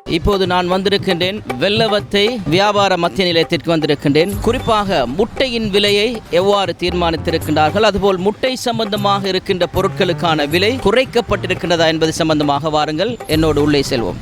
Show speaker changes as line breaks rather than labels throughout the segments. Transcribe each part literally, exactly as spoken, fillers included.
இப்போது நான் வந்திருக்கின்றேன் வெள்ளவத்தை வியாபார மத்திய நிலையத்திற்கு வந்திருக்கின்றேன். குறிப்பாக முட்டையின் விலையை எவ்வாறு தீர்மானித்திருக்கின்றார்கள், அதுபோல் முட்டை சம்பந்தமாக இருக்கின்ற பொருட்களுக்கான விலை குறைக்கப்பட்டிருக்கின்றதா என்பது சம்பந்தமாக வாருங்கள் என்னோடு உள்ளே செல்வோம்.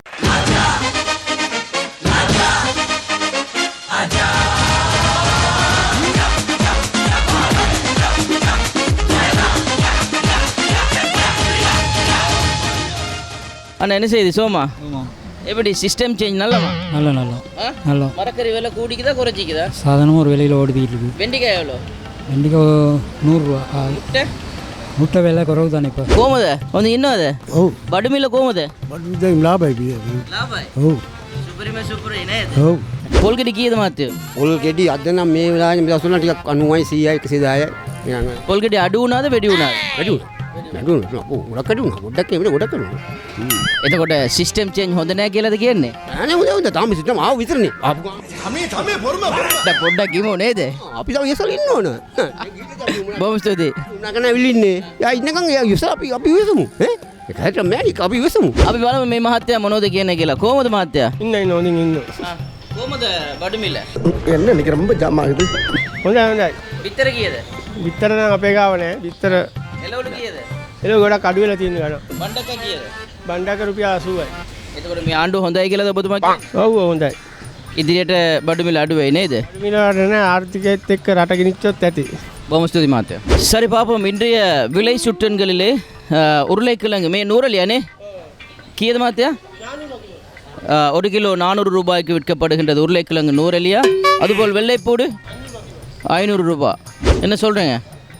அண்ணா என்ன செய்யுது சோமா? எப்படி சிஸ்டம் சேஞ்ச் நல்லவா?
நல்ல நல்லா நல்லா.
மரக்கறி விலை கூடிக்குதா குறைச்சிக்குதா?
சாதாரணமாக ஒரு விலையில் ஓடிக்கிட்டு இருக்கு.
வெண்டிக்காய் எவ்வளோ?
வெண்டிக்காய் நூறுரூவா. முட்டை முட்டை விலை குறவு தானே இப்போ.
கோமத ಒಂದು ಇನ್ನೂ ಅದೇ ಓ ಬಡಮಿಲ್ಲ ಕೋಮದ
ಬಡಮಿದ ಲಾಭ ಐತಿ
ಲಾಭ
ಓ
ಸುಪ್ರೀಮ ಸೂಪರ್ ಏನೇ
ಓ
ಪೋಲ್ಗಡಿ ಕೀದ ಮಾತು
ಪೋಲ್ಗಡಿ ಅದನ್ನ ಮೇವಲ ನಿಮ್ದು ಸುನ್ನ ಟಿಕ ಅನುವೈ ಸಿಐ ಕಸಿದಾಯ
ಪೋಲ್ಗಡಿ ಅಡು ಉನಾದ ಬೆಡಿ ಉನಾದ
ಬೆಡಿ ಅಡು ಓ ಉಡಕಡಿ ಉನ ಉಡಕ್ಕೆ ಇವೆ ಉಡಕಡಿ
එතකොට සිස්ටම් චේන්ජ් හොඳ නැහැ කියලාද කියන්නේ?
අනේ හොඳ හොඳ තාම සිස්ටම් ආව විතරනේ.
අපි තමයි බොරුම බොරුම.
පොඩ්ඩක් කිමු නේද?
අපි තව ඉස්සල ඉන්න ඕන.
බොහොම ස්තුතියි.
නගන ඇවිල්ලින්නේ. යා ඉන්නකම් යා ඉස්සල අපි අපි විසමු. ඈ ඒකට මෑනික අපි විසමු.
අපි බලමු මේ මහත්තයා මොනවද කියන්නේ කියලා. කොහොමද මහත්තයා?
ඉන්න ඉන්න හොඳින් ඉන්න.
කොහොමද බඩුමිල?
එන්න නික රම්බ ජාම ආಗಿದೆ. හොඳයි හොඳයි.
විතර කීයද?
විතර නම් අපේ ගාව නෑ. විතර
එළවලු කීයද?
එළව ගොඩක් අඩු වෙලා තියෙන ගාන.
බණ්ඩක කීයද?
බණ්ඩක රුපියල් අසූවයි.
එතකොට මේ ආණ්ඩුව හොඳයි කියලාද ඔබතුමා කියන්නේ?
ඔව් හොඳයි.
ඉදිරියට බඩුමිල අඩු වෙයි නේද?
බඩුමිල නෑ ආර්ථිකයත් එක්ක රට ගෙනිච්චොත් ඇති.
බොහොම ස්තුතියි මහත්තයා. சரி பாப்போம் இன்றைய விலை சுட்டன்களிலே உருளைக்கிழங்கு மே நூறலியானே கீயது மஹத்தயா ஒரு கிலோ நானூறு ரூபாய்க்கு விற்கப்படுகின்றது. உருளைக்கிழங்கு நூறலியா, அதுபோல் வெள்ளைப்பூடு ஐநூறு ரூபாய். என்ன சொல்கிறீங்க?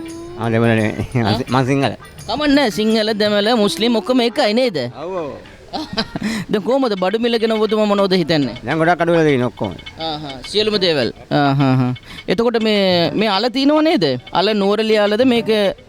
සිංහල
කමන්න සිංහල දෙමළ මුස්ලිම් ඔක්කොම එකයි නේද?
ඔව් ඔව්.
දැන් කොහමද බඩුමිල ගැන ඔබතුමා මොනවද හිතන්නේ?
දැන් ගොඩක් අඩු වෙලා තියෙන ඔක්කොම.
ආ හා සියලුම දේවල්. ආ හා හා. එතකොට මේ මේ අල තිනව නේද? අල නූරලිය අලද මේක?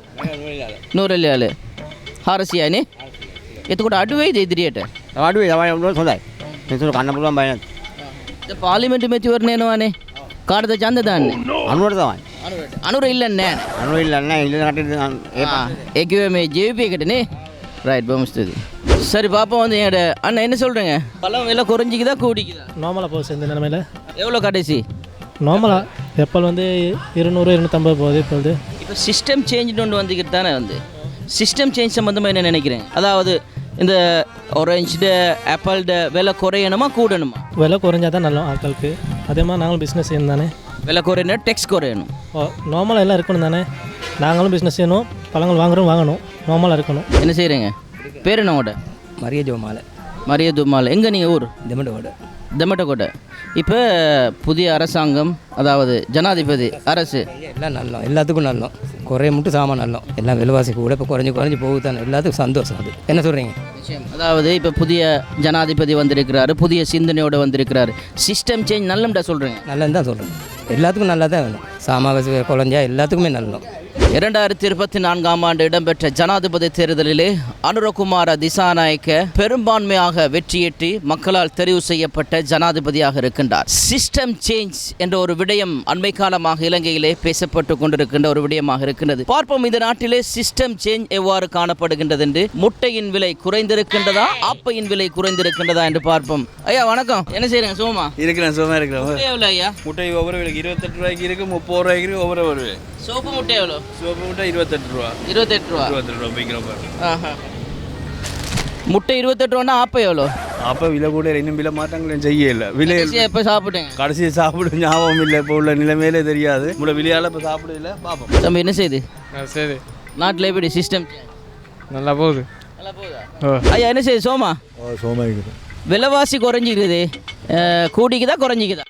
නූරලිය අල. හාරසියයි නේ? එතකොට අඩු වෙයිද ඉදිරියට?
අඩු වෙයි තමයි උනොත් හොඳයි. මේසොර කන්න පුළුවන් බය නැත්.
දැන් පාර්ලිමේන්තු මැතිවරණ එනවානේ. කාටද ඡන්ද දාන්නේ?
අනුරට තමයි.
අනුරට. අනුර ඉල්ලන්නේ නැහැ.
අනුර ඉල්ලන්නේ නැහැ. ඉල්ලන කටේ
ඒ ඒ කිව්වේ මේ ජේ වී පී එකට නේ? ரைட் බොහොම ස්තුතියි. சரி பாப்போம் வந்து என்கிட்ட அண்ணா என்ன சொல்கிறீங்க? பழம் விலை குறைஞ்சிக்குதா கூடிக்குதா?
நார்மலாக போகுது இந்த நிலமையில்.
எவ்வளோ கடைசி?
நார்மலாக எப்பல் வந்து இருநூறு இருநூற்றம்பது போகுது இப்போது.
இப்போ சிஸ்டம் சேஞ்ச் ஒன்று வந்துக்கிட்டு தானே வந்து சிஸ்டம் சேஞ்ச் சம்மந்தமாக என்ன நினைக்கிறேன்? அதாவது இந்த ஆரஞ்சு ஆப்பிள்ட விலை குறையணுமா கூடணுமா?
விலை குறைஞ்சா தான் நல்லா ஆட்களுக்கு. அதே மாதிரி நாங்களும் பிஸ்னஸ் செய்யணும் தானே.
விலை குறையணும், டெக்ஸ் குறையணும்.
ஓ நார்மலாக எல்லாம் இருக்கணும் தானே. நாங்களும் பிஸ்னஸ் செய்யணும், பழங்கள் வாங்குறோம் வாங்கணும், நார்மலாக இருக்கணும்.
என்ன செய்கிறீங்க? பேர் என்ன உங்களோட?
மரிய ஜோமாலை.
மரிய துமாலை. எங்கே நீங்கள் ஊர்?
தெமட்டகோட்டை.
தெமட்டகோட்டை. இப்போ புதிய அரசாங்கம், அதாவது ஜனாதிபதி அரசு
எல்லாம் நல்லோம், எல்லாத்துக்கும் நல்லோம். குறைய மட்டும் சாமான் நல்லோம். எல்லாம் விலைவாசி கூட இப்போ குறைஞ்சி குறைஞ்சி போகுது தானே. எல்லாத்துக்கும் சந்தோஷம். அது என்ன சொல்கிறீங்க?
அதாவது இப்போ புதிய ஜனாதிபதி வந்திருக்கிறாரு, புதிய சிந்தனையோடு வந்திருக்கிறாரு. சிஸ்டம் சேஞ்ச் நல்லம்டா சொல்கிறேங்க.
நல்லது தான் சொல்கிறேன். எல்லாத்துக்கும் நல்லா தான் வேணும். சாமாவாசி குறைஞ்சா எல்லாத்துக்குமே நல்லோம்.
இரண்டாயிரத்தி இருபத்தி நான்காம் ஆண்டு இடம்பெற்ற ஜனாதிபதி தேர்தலிலே அனுரகுமார திசாநாயக்க பெரும்பான்மையாக வெற்றியீட்டி மக்களால் தெரிவு செய்யப்பட்ட ஜனாதிபதியாக இருக்கின்றார். சிஸ்டம் சேஞ்ச் என்ற ஒரு விடயம் அண்மை காலமாக இலங்கையிலே பேசப்பட்டு கொண்டிருக்கின்ற ஒரு விடயமாக இருக்கின்றது. பார்ப்போம் இந்த நாட்டிலே சிஸ்டம் சேஞ்ச் எவ்வாறு காணப்படுகின்றது என்று. முட்டையின் விலை குறைந்திருக்கின்றதா, ஆப்பையின் விலை குறைந்திருக்கின்றதா என்று பார்ப்போம். ஐயா வணக்கம். என்ன செய்யறீங்க? சோமா
இருக்கிறேன். சோமா இருக்கிறேன்.
எவ்வளோ ஐயா?
முட்டை ஒவ்வொரு விலைக்கு இருபத்தெட்டு ரூபாய்க்கு இருக்கு, முப்பது ரூபாய்க்கு இருக்கு. ஒவ்வொரு ஒரு
சோப்பு முட்டை எவ்வளோ?
சோப்பு முட்டை இருபத்தெட்டு ரூபா.
இருபத்தெட்டு ரூபா.
இருபத்தெட்டு ரூபா போய்க்கிறோம்.
ஆஹா. முட்டை இருபத்தெட்டு ரூபான்னா ஆப்பை எவ்வளோ?
அப்போ விலை கூட இன்னும் விலை மாற்றங்களும் செய்யல. விலை
எப்போ சாப்பிட்டேங்க?
கடைசியை சாப்பிட ஞாபகம் இல்லை. இப்போ உள்ள நிலைமையிலே தெரியாது. உங்களோட விலையால் இப்போ சாப்பிடல. பார்ப்போம்.
தம்பி என்ன செய்யுது?
சரி.
நாட்டில் எப்படி சிஸ்டம்?
நல்லா போகுது.
நல்லா போகுதா? ஐயா என்ன செய்யுது? சோமா
சோமா
விலைவாசி குறைஞ்சிக்குது, கூடிக்குதா குறைஞ்சிக்குதா?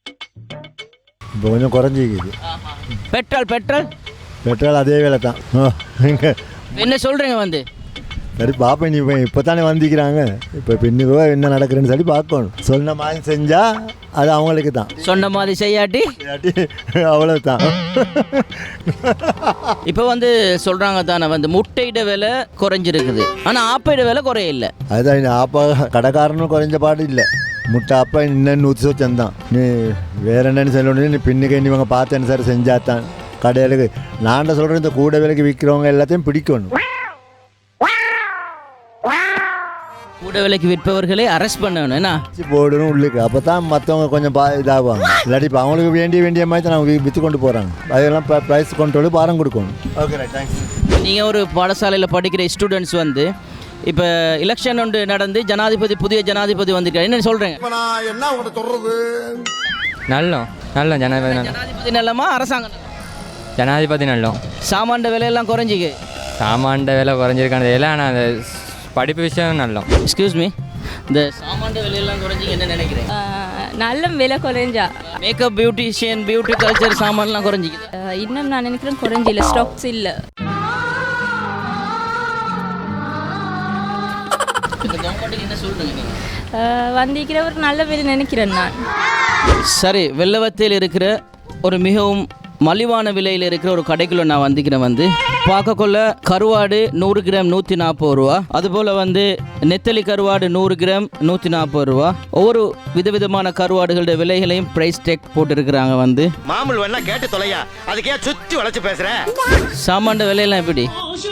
இப்போ கொஞ்சம் குறைஞ்சிக்குது.
பெட்ரோல் பெட்ரோல்
பெட்ரோல் அதே வேலை தான்.
என்ன சொல்கிறீங்க வந்து?
சரி பார்ப்பேன். நீ இப்போ தானே வந்திக்கிறாங்க. இப்போ பின்னுக்கோ என்ன நடக்குதுன்னு சொல்லி பார்க்கணும். சொன்ன மாதிரி செஞ்சால் அது அவங்களுக்கு தான்.
சொன்ன மாதிரி செய்யாட்டி
அவ்வளோ தான்.
இப்போ வந்து சொல்கிறாங்க தானே வந்து முட்டையிட விலை குறைஞ்சிருக்குது, ஆனால் ஆப்பையிட விலை குறையில்லை.
அதுதான் ஆப்பா கடைக்காரனும் குறைஞ்ச பாடு இல்லை. முட்டை அப்பா இன்னும் நூற்றி சொச்சந்தான். நீ வேற என்னன்னு சொல்லணும். நீ பின்னுக்கு இவங்க பார்த்தேன்னு சார் செஞ்சாத்தான் கடையிலுக்கு. நான் சொல்கிறேன் இந்த கூட விலைக்கு விற்கிறவங்க எல்லாத்தையும் பிடிக்கணும்.
கூட விலைக்கு விற்பவர்களே அரெஸ்ட் பண்ணணும் என்ன
போடணும் உள்ளுக்கு அப்போ தான் மற்றவங்க கொஞ்சம் பா இதாகுவாங்க இல்லாட்டி இப்போ அவங்களுக்கு வேண்டிய வேண்டிய மாதிரி தான் அவங்க விற்று கொண்டு போகிறாங்க அதெல்லாம் ப்ரைஸ் கொண்டு பாரம் கொடுக்கணும். Okay right thanks.
நீங்கள் ஒரு பாடசாலையில் படிக்கிற ஸ்டூடெண்ட்ஸ் வந்து இப்போ எலெக்ஷன் ஒன்று நடந்து ஜனாதிபதி புதிய ஜனாதிபதி வந்திருக்காரு என்ன சொல்கிறேங்க?
இப்ப நான் என்ன உங்கள்கிட்ட சொல்றது?
நல்லோம் நல்ல ஜனாதிபதி நல்ல
ஜனாதிபதி நல்லமா அரசாங்கம் நல்லமா?
ஜனாதிபதி நல்லோம்.
சாமான்ட விலையெல்லாம் குறைஞ்சிக்கு.
சாமான்ட விலை குறைஞ்சிருக்கானது இல்லை ஆனால் அந்த படிப்பு விஷயம் நல்லோம்.
எக்ஸ்கியூஸ் மீ, இந்த சாமான்ட விலையெல்லாம் குறைஞ்சிக்கு என்ன நினைக்கிறேன்?
நல்ல விலை குறைஞ்சா
மேக்கப் பியூட்டிஷியன் பியூட்டி கல்ச்சர் சாமான்லாம் குறைஞ்சிக்குது.
இன்னும் நான் நினைக்கிறேன் குறைஞ்சில்லை, ஸ்டாக்ஸ் இல்லை.
இந்த கவர்மெண்ட்டுக்கு என்ன சொல்கிறீங்க நீங்கள்?
வந்திருக்கிற ஒரு நல்ல விலை நினைக்கிறேன் நான்.
சரி, வெள்ளவத்தையில் இருக்கிற ஒரு மிகவும் மலிவான விலையில் இருக்கிற ஒரு கடைக்குள்ள நான் வந்திக்கிறேன். வந்து பார்க்கக்குள்ள கருவாடு நூறு கிராம் நூற்றி நாற்பது ரூபா, அதுபோல் வந்து நெத்தலி கருவாடு நூறு கிராம் நூற்றி நாற்பது ரூபா. ஒவ்வொரு விதவிதமான கருவாடுகளோட விலைகளையும் ப்ரைஸ் டேக் போட்டுருக்குறாங்க. வந்து
மாமூல் வேணா கேட்டு தொலையா, அதுக்கே சுற்றி வளைச்சு பேசுற.
சாமான்ட விலையெல்லாம் எப்படி?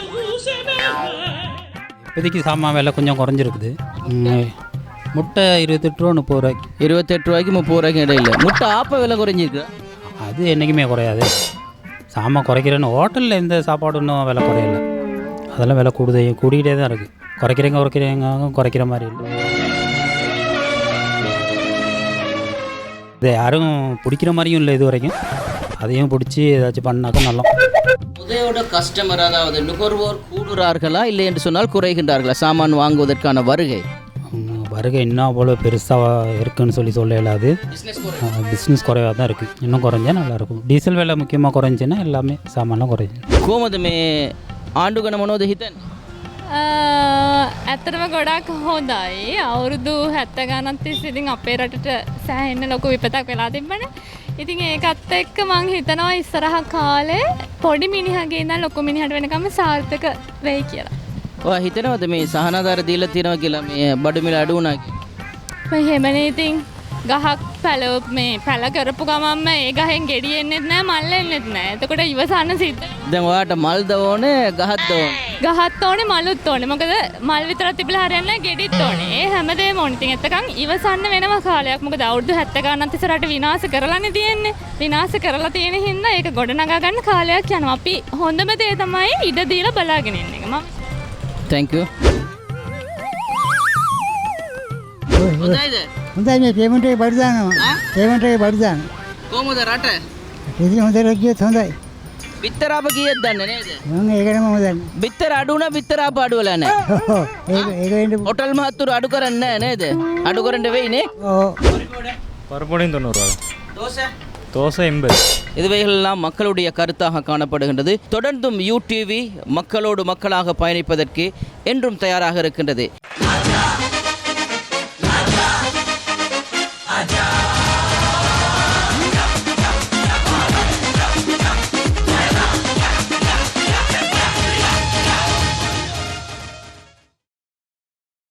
இப்போதைக்கு சாமான் விலை கொஞ்சம் குறைஞ்சிருக்குது. முட்டை இருபத்தெட்டு ரூபா முப்பது ரூபாய்க்கு
இருபத்தெட்டு ரூபாய்க்கு முப்பது ரூபாய்க்கு இடையில. முட்டை ஆப்ப விலை குறைஞ்சிருக்கு.
அது என்றைக்குமே குறையாது. சாமான் குறைக்கிறேன்னு ஹோட்டலில் எந்த சாப்பாடு இன்னும் விலை குறையல. அதெல்லாம் விலை கூடுதே கூடிக்கிட்டே தான் இருக்குது. குறைக்கிறவங்க குறைக்கிறவங்க குறைக்கிற மாதிரி இல்லை. இதை யாரும் பிடிக்கிற மாதிரியும் இல்லை இது வரைக்கும். அதையும் பிடிச்சி ஏதாச்சும் பண்ணாக்கா நல்லா.
உதயோட கஸ்டமர் அதாவது நுகர்வோர் கூடுறார்களா இல்லை என்று சொன்னால் குறைகின்றார்களா சாமான் வாங்குவதற்கான வருகை?
வருகை இன்னும் அவ்வளோ பெருசாக இருக்குன்னு சொல்லி சொல்ல இயலாது. பிஸ்னஸ் குறைவாக தான் இருக்குது. இன்னும் குறைஞ்சா நல்லாயிருக்கும். டீசல் விலை முக்கியமாக குறைஞ்சின்னா எல்லாமே சாமான்லாம் குறைஞ்சி.
කොහොමද මේ ආණ්ඩුගන මොනවද හිතන්නේ?
ඇත්තටම ගොඩක් හොඳයි. අවුරුදු හැත්ත ගණන් තිස්සේ ඉතින් අපේ රටට සෑහෙන්න ලොකු විපතක් වෙලා තිබ්බනේ. ඉතින් ඒකත් එක්ක මං හිතනවා ඉස්සරහ කාලේ පොඩි මිනිහගේ ඉඳන් ලොකු මිනිහට වෙනකම් සාර්ථක වෙයි කියලා.
ඔයා හිතනවද මේ සහනාධාර දීලා තියෙනවා කියලා මේ බඩු මිල අඩු වුණා කියලා?
මම එහෙමනේ ඉතින් ගහක් පැල මේ පැල කරපු ගමන්ම ඒ ගහෙන් ගෙඩි එන්නෙත් නැහැ මල් එන්නෙත් නැහැ. එතකොට ඉවසන්න සිද්ධ.
දැන් ඔයාට මල්ද ඕනේ ගහක්ද ඕනේ?
ගහත් ඕනේ මලුත් ඕනේ. මොකද මල් විතරක් තිබිලා හරියන්නේ නැහැ ගෙඩිත් ඕනේ. ඒ හැමදේම ඕනේ. ඉතින් එතකන් ඉවසන්න වෙනවා කාලයක්. මොකද අවුරුදු හැත්ත ගණන් තිස්සේ රට විනාශ කරලානේ තියෙන්නේ. විනාශ කරලා තියෙන හින්දා ඒක ගොඩනගා ගන්න කාලයක් යනවා. අපි හොඳම දේ තමයි ඉඩ දීලා බලාගෙන ඉන්න එක. මම
Thank you. හොඳයිද?
හොඳයි මේ පේමන්ට් එක බඩු දානවා. පේමන්ට් එක බඩු දානවා.
කොහමද රට?
ඉතින් හොඳට ගියොත් හොඳයි.
බිත්තර අප කීයද දන්නේ නේද?
මම ඒකටම මම දන්නේ.
බිත්තර අඩු වුණා බිත්තර අප අඩු වෙලා නැහැ.
ඒක ඒක වෙන්න
හොටල් මහත්තුරු අඩු කරන්නේ නැහැ නේද? අඩු කරන්න වෙයි නේ?
ඔව්.
பருப்பொடியும் தொண்ணூறு ரூபா.
தோசை
தோசை எண்பது.
இதுவைகளெல்லாம் மக்களுடைய கருத்தாக காணப்படுகின்றது. தொடர்ந்தும் யூடிவி மக்களோடு மக்களாக பயணிப்பதற்கு என்றும் தயாராக இருக்கின்றது.